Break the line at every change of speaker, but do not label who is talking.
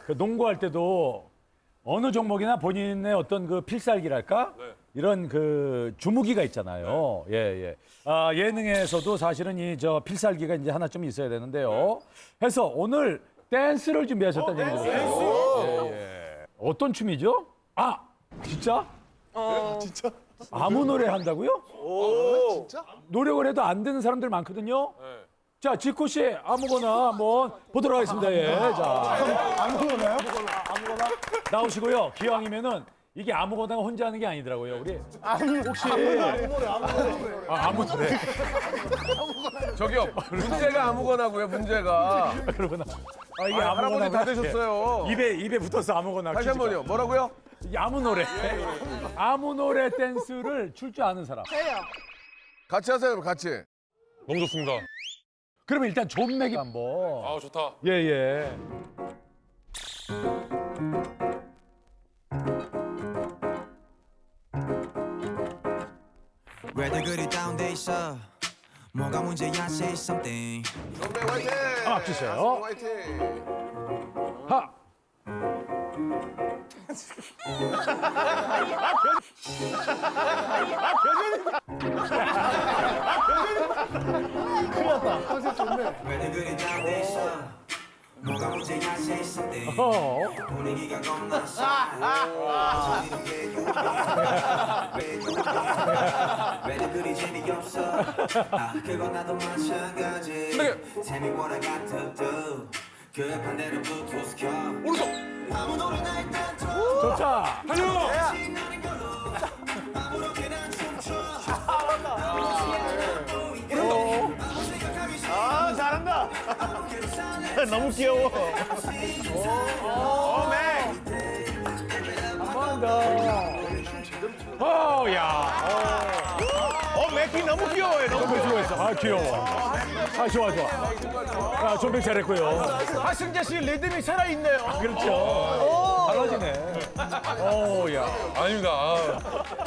그 농구할 때도 어느 종목이나 본인의 어떤 그 필살기랄까? 이런 그 주무기가 있잖아요. 예, 예. 아, 예능에서도 사실은 이 저 필살기가 이제 하나 좀 있어야 되는데요. 해서 오늘 댄스를 준비하셨다는 얘기 들었어요. 예, 예. 어떤 춤이죠? 아, 진짜?
진짜?
아무 노래 한다고요?
진짜?
노력을 해도 안 되는 사람들 많거든요. 자, 지코 씨 아무거나 한번 보도록 하겠습니다. 예. 자,
아무거나요?
나오시고요. 기왕이면은 이게 아무거나 혼자 하는 게 아니더라고요. 우리 혹시 아무 노래.
저기요, 문제가 아무거나고요, 문제가.
그러구나. 아, 이게
아니, 할아버지 다 되셨어요.
입에 붙어서 아무거나.
다시 한 번요. 뭐라고요?
이게 아무 노래. 아무 노래 댄스를 출 줄 아는 사람.
같이 하세요, 같이.
너무 좋습니다.
그러면 일단 존맥이 한번.
아 좋다.
예, 예.
왜들 그리 다운돼 있어 뭐가 문제야 say something
선배 화이팅!
아, 주세요.
화이팅!
하.
왜들 그리 다운돼 있어 뭐가 문제야 say something 분위기가 겁나 싸 왜들 그리 재미없어 그건 나도 마찬가지 Tell me what I got to do 그 반대로 블루투스 켜 아무 노래나 일단 틀어
좋다.
신나는 걸로 아무렇게나 춤춰
아, 잘한다. 너무 귀여워.
야.
맥킹 너무 귀여워요. 너무
존백 수고했어. 아, 귀여워. 아, 좋아, 좋아. 아, 존백 잘했고요.
하승재 씨 리듬이 살아있네요.
그렇죠. 잘하시네. 오, 야.
아닙니다. 아.